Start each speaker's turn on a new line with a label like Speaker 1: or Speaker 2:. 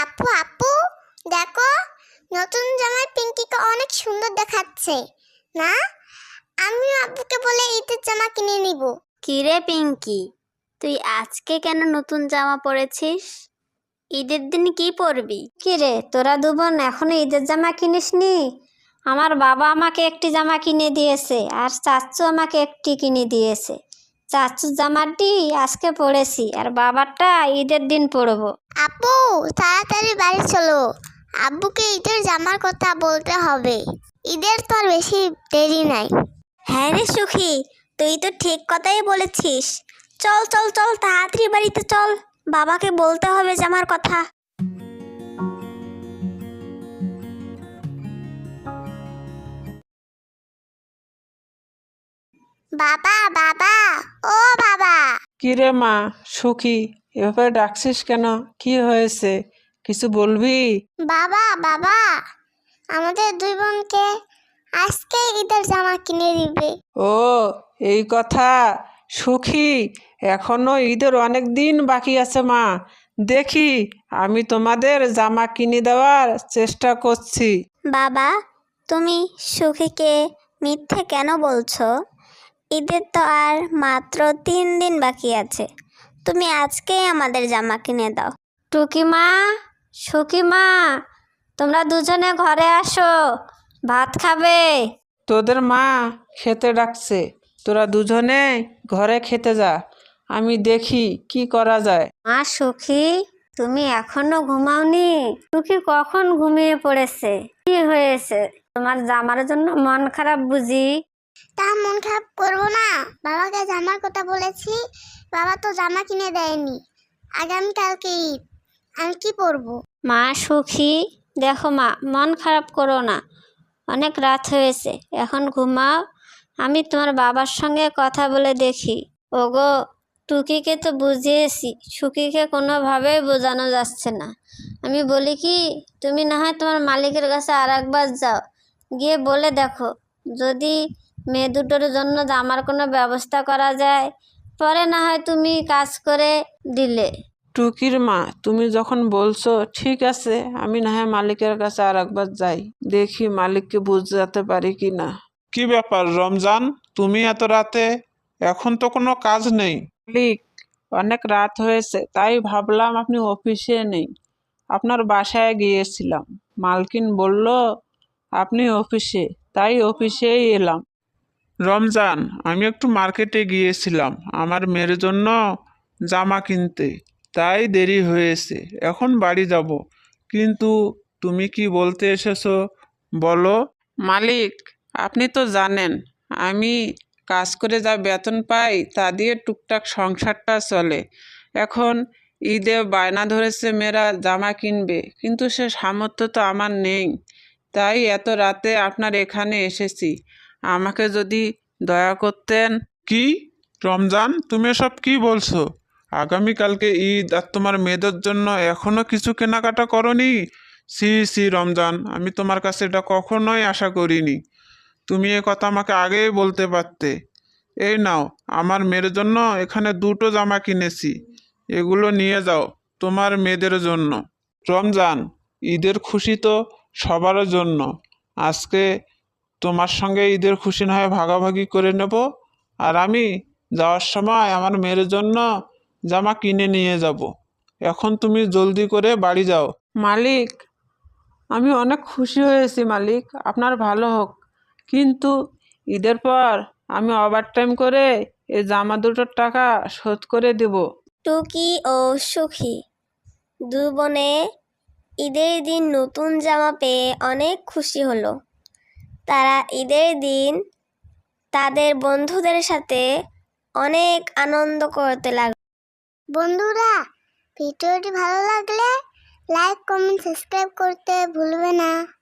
Speaker 1: আপু আপু দেখো, নতুন জামায় পিঙ্কিকে অনেক সুন্দর দেখাচ্ছে না? আমিও আব্বুকে বলে ঈদের জামা কিনে নিব।
Speaker 2: কিরে পিঙ্কি, তুই আজকে কেন নতুন জামা পরেছিস? ঈদের দিন কি পরবি?
Speaker 3: কিরে তোরা দুবোন এখনো ঈদের জামা কিনিসনি? আমার বাবা আমাকে একটি জামা কিনে দিয়েছে আর চাচ্চু আমাকে একটি কিনে দিয়েছে। চাচ্চুর জামাটি আজকে পরেছি আর বাবারটা ঈদের দিন পরবো।
Speaker 1: আপু তাড়াতাড়ি বাড়ি চলো, আব্বুকে ঈদের জামার কথা বলতে হবে। ঈদের তো আর বেশি দেরি নাই।
Speaker 2: হ্যাঁ রে সুখী, তুই তো ঠিক কথাই বলেছিস। চল চল চল, তাড়াতাড়ি বাড়িতে চল, বাবাকে বলতে হবে জামার কথা।
Speaker 1: বাবা বাবা, ও বাবা।
Speaker 4: কিরে মা সুখী, এভাবে ডাকছিস কেন? কি হয়েছে, কিছু বলবি?
Speaker 1: বাবা বাবা, আমাদের দুই বোনকে আজকে ঈদের জামা কিনে দিবে।
Speaker 4: ও এই কথা। সুখী, এখনো ঈদের অনেক দিন বাকি আছে মা। দেখি আমি তোমাদের জামা কিনে দেওয়ার চেষ্টা করছি।
Speaker 2: বাবা, তুমি সুখীকে মিথ্যে কেন বলছো? ঈদের তো আর মাত্র 3 দিন বাকি আছে। তুমি আজকেই আমাদের জামা কিনে দাও।
Speaker 3: টুকিমা, সুকিমা, তোমরা দুজনে ঘরে আসো, ভাত খাবে।
Speaker 4: তোদের মা খেতে ডাকছে, তোরা দুজনে ঘরে খেতে যা, আমি দেখি কি করা যায়।
Speaker 3: মা সুখী, তুমি এখনো ঘুমাওনি? টুকি কখন ঘুমিয়ে পড়েছে? কি হয়েছে? তোমার জামার জন্য মন খারাপ বুঝি?
Speaker 1: তা মন খারাপ করবো না, বাবাকে জামার কথা বলেছি, বাবা তো জামা কিনে দেয়নি। আগামীকালকে ঈদ, আমি কি পরবো?
Speaker 3: মা সুখী, দেখো মা, মন খারাপ করো না, অনেক রাত হয়েছে, এখন ঘুমাও। আমি তোমার বাবার সঙ্গে কথা বলে দেখি। ওগো, টুকিকে তো বুঝিয়েছি, সুখীকে কোনোভাবেই বোঝানো যাচ্ছে না। আমি বলি কি, তুমি না হয় তোমার মালিকের কাছে আর একবার যাও, গিয়ে বলে দেখো যদি মেয়ে দুটোর জন্য জামার কোনো ব্যবস্থা করা যায়, পরে না হয় তুমি কাজ করে দিলে।
Speaker 4: টুকির মা, তুমি যখন বলছো ঠিক আছে, আমি না হয় মালিকের কাছে আর একবার যাই, দেখি মালিককে বুঝাতে পারি কি না।
Speaker 5: কি ব্যাপার রমজান, তুমি এত রাতে? এখন তো কোনো কাজ নেই।
Speaker 4: মালিক, অনেক রাত হয়েছে, তাই ভাবলাম আপনি অফিসে নেই, আপনার বাসায় গিয়েছিলাম। মালকিন বলল আপনি অফিসে, তাই অফিসেই এলাম।
Speaker 5: রমজান, আমি একটু মার্কেটে গিয়েছিলাম আমার মেয়ের জন্য জামা কিনতে, তাই দেরি হয়েছে, এখন বাড়ি যাব। কিন্তু তুমি কি বলতে এসেছো বলো।
Speaker 4: মালিক, আপনি তো জানেন আমি কাজ করে যা বেতন পাই তা দিয়ে টুকটাক সংসারটা চলে। এখন ঈদে বায়না ধরেছে মেয়েরা জামা কিনবে, কিন্তু সে সামর্থ্য তো আমার নেই, তাই এত রাতে আপনার এখানে এসেছি, আমাকে যদি দয়া করতেন।
Speaker 5: কি রমজান, তুমি এসব কি বলছো? আগামীকালকে ঈদ আর তোমার মেয়েদের জন্য এখনো কিছু কেনাকাটা করনি? সি সি রমজান, আমি তোমার কাছে এটা কখনোই আশা করিনি। তুমি এ কথা আমাকে আগেই বলতে পারতে। এই নাও, আমার মেয়ের জন্য এখানে 2টো জামা কিনেছি, এগুলো নিয়ে যাও তোমার মেয়েদের জন্য। রমজান, ঈদের খুশি তো সবার জন্য, আজকে তোমার সঙ্গে ঈদের খুশি না হয় ভাগাভাগি করে নেব, আর আমি যাওয়ার সময় আমার মেয়ের জন্য জামা কিনে নিয়ে যাব। এখন তুমি জলদি করে বাড়ি যাও।
Speaker 4: মালিক, আমি অনেক খুশি হয়েছি মালিক, আপনার ভালো হোক, কিন্তু ঈদের পর আমি ওভারটাইম করে এই জামা দুটোর টাকা শোধ করে দেব।
Speaker 2: টুকি ও সুখী দু বোনে ঈদের দিন নতুন জামা পেয়ে অনেক খুশি হলো। তারা ঈদের দিন তাদের বন্ধুদের সাথে অনেক আনন্দ করতে লাগলো।
Speaker 1: বন্ধুরা, ভিডিওটি ভালো লাগলে লাইক কমেন্ট সাবস্ক্রাইব করতে ভুলবে না।